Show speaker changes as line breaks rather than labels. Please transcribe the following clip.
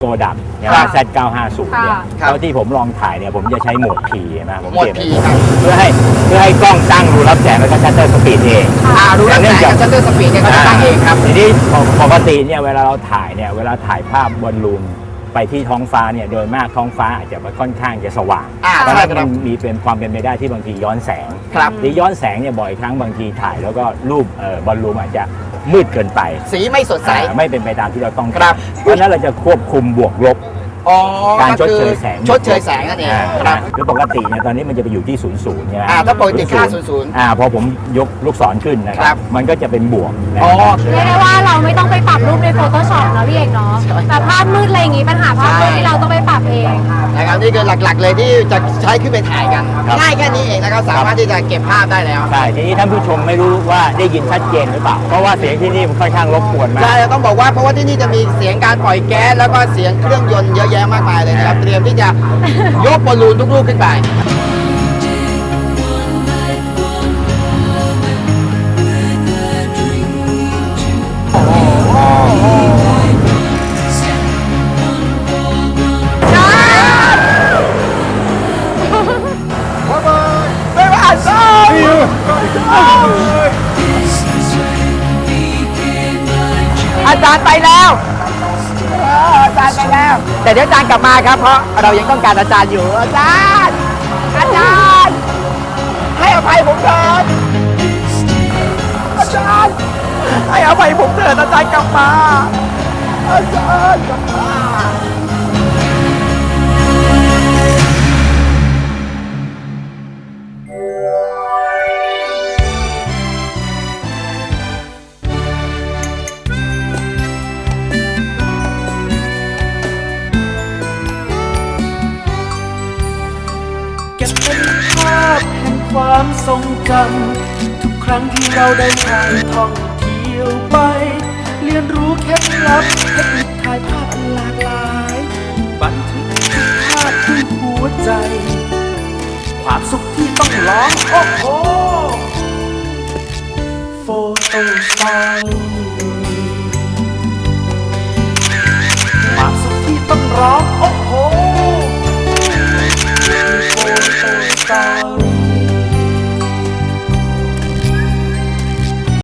ตัวดำเนี่ยZ950เนี่ยเท่าที่ผมลองถ่ายเนี่ยผมจะใช้โหมด P นะผมเปลี่ยนเพื่อให้กล้องตั้งรูรับแสงแล้วก็ชัตเตอร์สปีดเอง
รูรับแสงกับชัตเตอร์สปีดเนี่ยเขาจะตั้งเองครับ
ทีนี้ปกติเนี่ยเวลาเราถ่ายเนี่ยเวลาถ่ายภาพบอลลูนไปที่ท้องฟ้าเนี่ยโดยมากท้องฟ้าอาจจะค่อนข้างจะสว่างเพราะฉะนั้นมันมีเป็นความเป็นไปได้ที่บางทีย้อนแสงที่ย้อนแสงเนี่ยบ่อยครั้งบางทีถ่ายแล้วก็รูปบอลลูนอาจจะมืดเกินไป
สีไม่สดใส
ไม่เป็นไปตามที่เราต้องการเพราะฉะนั้นเราจะควบคุมบวกลบการชดเชยแสง
นั่นเอง
ครับคือปกติเนี่ยตอนนี้มันจะไปอยู่ที่00ใช่ไหม
ถ้าปกติค่า00
พอผมยกลูกศรขึ้นนะครับมันก็จะเป็นบวก
เรียกได้ว่าเราไม่ต้องไปปรับรูปใน Photoshop นะพี่เอกเนาะแต่ภาพมืดอะไรอย่างงี้ปัญหาภาพมืดที่เราต้องไปปรับเอง
นะครับนี่คือหลักๆเลยที่จะใช้ขึ้นไปถ่ายกันง่ายแค่นี้เองนะครับสามารถที่จะเก็บภาพได้แล้ว
ใช่ทีนี้ท่านผู้ชมไม่รู้ว่าได้ยินชัดเจนหรือเปล่าเพราะว่าเสียงที่นี่มันค่อนข้างรบกวนมาก
ใช่ต้องบอกว่าเพราะว่าที่นี่จะมีเสียงการปล่อยแก๊สแล้วก็เสียงเครื่องยนต์เยอะแยะมากมายเลยนะครับเตรียมที่จะยกบอลลูนทุกลูกขึ้นไปอาจารย์ไปแล้วอาจารย์ไปแล้วแต่เดี๋ยวอาจารย์กลับมาครับเพราะเรายังต้องการอาจารย์อยู่อาจารย์ให้อภัยผมเถิดอาจารย์ให้อภัยผมเถิดอาจารย์กลับมาอาจารย์กลับมา
ความทรงจำทุกครั้งที่เราได้ถ่ายท่องเที่ยวไปเรียนรู้เคล็ดลับเทคนิคถ่ายภาพหลากหลายบันทึกทุกภาพด้วยหัวใจความสุขที่ต้องร้องโอ้โหโฟโต้สไตล์